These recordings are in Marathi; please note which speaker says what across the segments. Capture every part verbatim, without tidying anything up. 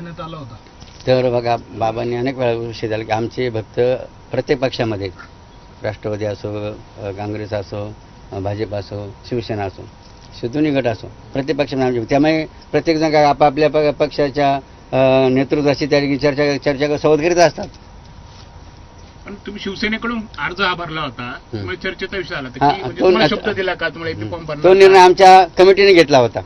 Speaker 1: करण्यात आला होता?
Speaker 2: तर बघा, बाबांनी अनेक वेळा विषय झाला की आमचे भक्त प्रत्येक पक्षामध्ये, राष्ट्रवादी असो, अ, काँग्रेस असो, अ, भाजप असो, शिवसेना असो, दोन्ही गट असो, प्रत्येक पक्षामध्ये आमचे, त्यामुळे प्रत्येकजण काय आपापल्या प- पक्षाच्या अ, नेतृत्वाची त्या ठिकाणी चर्चा चर्चा संवाद करीत असतात.
Speaker 3: पण तुम्ही शिवसेनेकडून अर्ज हा भरला होता, त्यामुळे चर्चेचा विषय आला होता
Speaker 2: हा,
Speaker 3: की म्हणजे
Speaker 2: तो-
Speaker 3: तुम्हाला शब्द दिला का तुम्हाला एपी फॉर्म भरणार
Speaker 2: तो निर्णय
Speaker 3: का?
Speaker 2: आमच्या कमिटीने घेतला होता.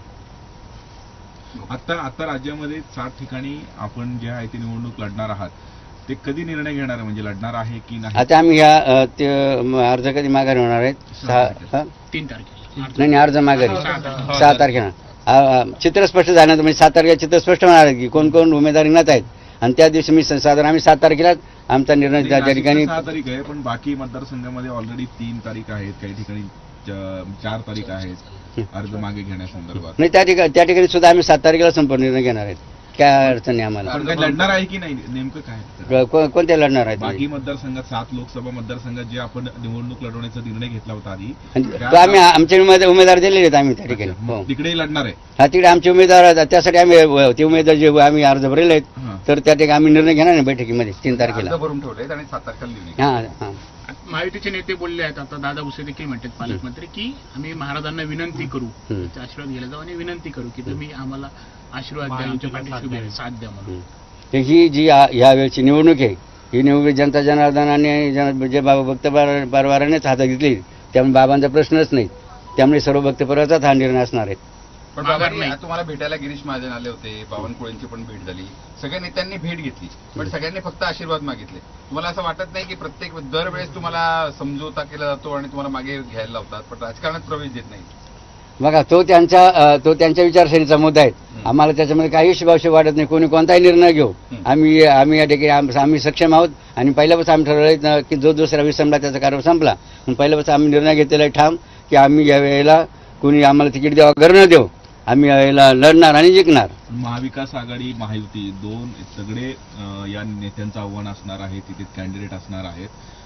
Speaker 4: आता आता राज्यामध्ये सात ठिकाणी आपण जे आहे ती निवडणूक लढणार आहात, ते कधी निर्णय घेणार आहे, म्हणजे लढणार आहे की नाही?
Speaker 2: आता आम्ही ह्या अ, ते म, अर्ज कधी माघारी होणार आहेत? सहा हा?
Speaker 3: तीन तारखेला
Speaker 2: नाही नाही, अर्ज माघारी
Speaker 3: सहा तारखेला.
Speaker 2: सहा तारखेला. अ, अ, चित्र स्पष्ट झालं म्हणजे सात तारखेला चित्र स्पष्ट होणार आहे की कोण कोण उमेदवार रिंगणात आहेत, आणि त्या दिवशी मी स- साधारण आम्ही सात तारखेला आमचा निर्णय त्या त्या ठिकाणी.
Speaker 4: सहा तारीख आहे, पण बाकी मतदारसंघामध्ये ऑलरेडी तीन तारीख आहेत, काही ठिकाणी च- चार तारीख आहेत अर्ज मागे घेण्यासंदर्भात.
Speaker 2: नाही, त्या ठिकाणी त्या ठिकाणी सुद्धा आम्ही सात तारखेला संपूर्ण निर्णय घेणार आहेत. काय अडचण नाही आम्हाला.
Speaker 4: पण काही लढणार आहे की नाही, नेमकं काय?
Speaker 2: क- को- कोणत्या लढणार आहेत
Speaker 4: बाकी मतदारसंघात, सात लोकसभा मतदारसंघात जे आपण निवडणूक लढवण्याचा निर्णय घेतला होता आधी,
Speaker 2: तो आम्ही आमचे उमेदवार उमेदवार दिलेले आहेत आम्ही त्या ठिकाणी.
Speaker 4: अच्छा,
Speaker 2: हो,
Speaker 4: मग तिकडे लढणार आहे.
Speaker 2: हा, तिकडे आमचे उमेदवार आहेत, त्यासाठी आम्ही अ, ते उमेदवार जे आम्ही अर्ज भरले आहेत,
Speaker 4: हां.
Speaker 2: तर त्या ठिकाणी आम्ही निर्णय घेणार नाही बैठकीमध्ये तीन तारखेला.
Speaker 4: भरून ठेवले आणि सात तारखेला लिहिले.
Speaker 2: हां हां
Speaker 3: महायुतीचे नेते बोलले आहेत, आता दादा भुसे देखील म्हणतात पालकमंत्री, की आम्ही महाराजांना विनंती करू,
Speaker 2: हम्म.
Speaker 3: त्यांचा आशीर्वाद घ्यायला जाऊ आणि विनंती करू की तुम्ही आम्हाला आशीर्वाद द्या, आमच्या पाठीशी उभे राहा, साथ द्या म्हणून.
Speaker 2: तर ही जी या- ह्या वेळची निवडणूक आहे, ही निवडणूक जनता जनार्दनाने जन- जे बाबा भक्त पर- परवारानेच हातात घेतली, त्यामुळे बाबांचा प्रश्नच नाही. त्यामुळे सर्व भक्त परवाचाच हा निर्णय असणार आहे.
Speaker 5: पण
Speaker 3: माघार
Speaker 5: बाबांनी
Speaker 3: नाही.
Speaker 5: आज तुम्हाला भेटायला गिरीश महाजन आले होते, बावनकुळेंची पण भेट झाली, सगळ्या नेत्यांनी भेट घेतली, पण सगळ्यांनी फक्त आशीर्वाद मागितले. तुम्हाला असं वाटत नाही की प्रत्येक दरवेळेस तुम्हाला समजोता केला जातो आणि तुम्हाला मागे घ्यायला लावतात, पण राजकारणात प्रवेश देत नाही?
Speaker 2: बघा, तो त्यांच्या अ, तो त्यांच्या विचारसरणीचा मुद्दा आहे. आम्हाला त्याच्यामध्ये काही शुभाशुभ वाटत नाही. कोणी कोणताही निर्णय घेऊ, आम्ही आम्ही या ठिकाणी आम- आम्ही सक्षम आहोत, आणि पहिल्यापासून आम्ही ठरवलं की जो दुसरा विसंबला त्याचा कारभार संपला. पण पहिल्यापासून आम्ही निर्णय घेतलेला आहे ठाम की आम्ही या वेळेला कोणी आम्हाला तिकीट द्यावं घर न देऊ, आम्ही या वेळेला लढणार आणि जिंकणार.
Speaker 4: महाविकास आघाडी, महायुती दोन सगळे अं, या नेत्यांचं आव्हान असणार आहे, तिथे कॅन्डिडेट असणार आहेत.